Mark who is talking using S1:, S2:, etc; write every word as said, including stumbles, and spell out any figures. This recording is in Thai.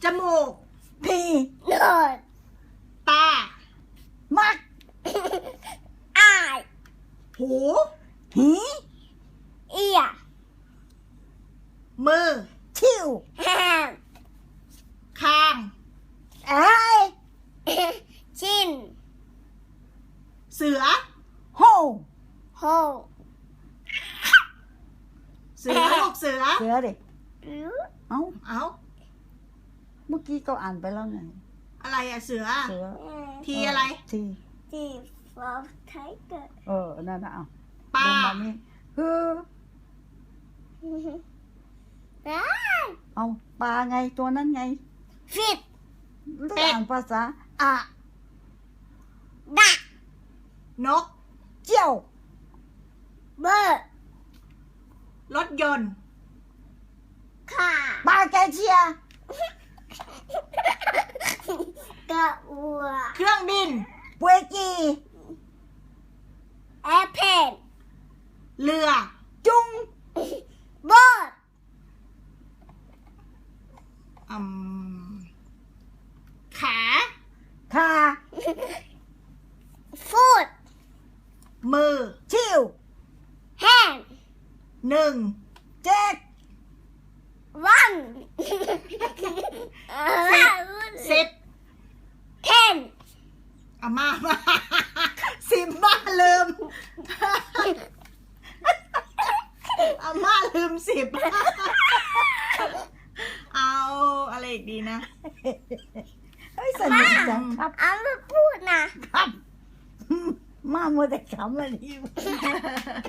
S1: มูก
S2: พี
S3: โนด
S1: ตา
S2: มัก
S3: อาย
S1: หู
S2: หี
S3: เอีย
S1: มือ
S2: ชิว
S3: แฮม
S1: คาง
S2: ไอ้
S3: ชิน
S1: เสือ
S2: โฮ
S3: โฮ
S1: เสือลูกเสือ
S2: เสือดิ
S3: รู้
S2: เอ้า
S1: เอ้า
S2: เมื่อกี้ก็อ่านไปแล้วไง
S1: อะไรอะเสือ
S2: เสือ
S1: ทีอะไร
S2: ที
S3: จีฟอร์ไทเกอร์
S2: เออนั่นนะเอา
S1: ปลา
S2: ลงมานี่คือ
S3: ได้
S2: เอาปลาไงตัวนั้นไง
S3: ฟิต
S2: เรื่องอ่านภาษาอะ
S3: ดัก
S1: นก
S2: เจียว
S3: เบอร์
S1: รถยนต์
S3: ขา
S2: ปลาแกเชีย
S3: กระอัว
S1: เครื่องบิน
S2: ปวยกี
S3: แอร์เพน
S1: เรือ
S2: จุง
S3: บอด
S1: อืมขา
S2: คา
S3: ฟูด
S1: มือ
S2: ชิว
S3: แฮน
S1: หนึ่ง
S2: เจ็ด
S3: วัน
S1: สิบ
S3: เทน
S1: อามามา สิบมาลืม อาม่าลืมสิบ เอาอะไรอีกดีนะ
S2: เฮ้ยสนุกจังครับ
S3: เอามาพูดนะ
S2: ครับ มามัวแต่ขำอันนี้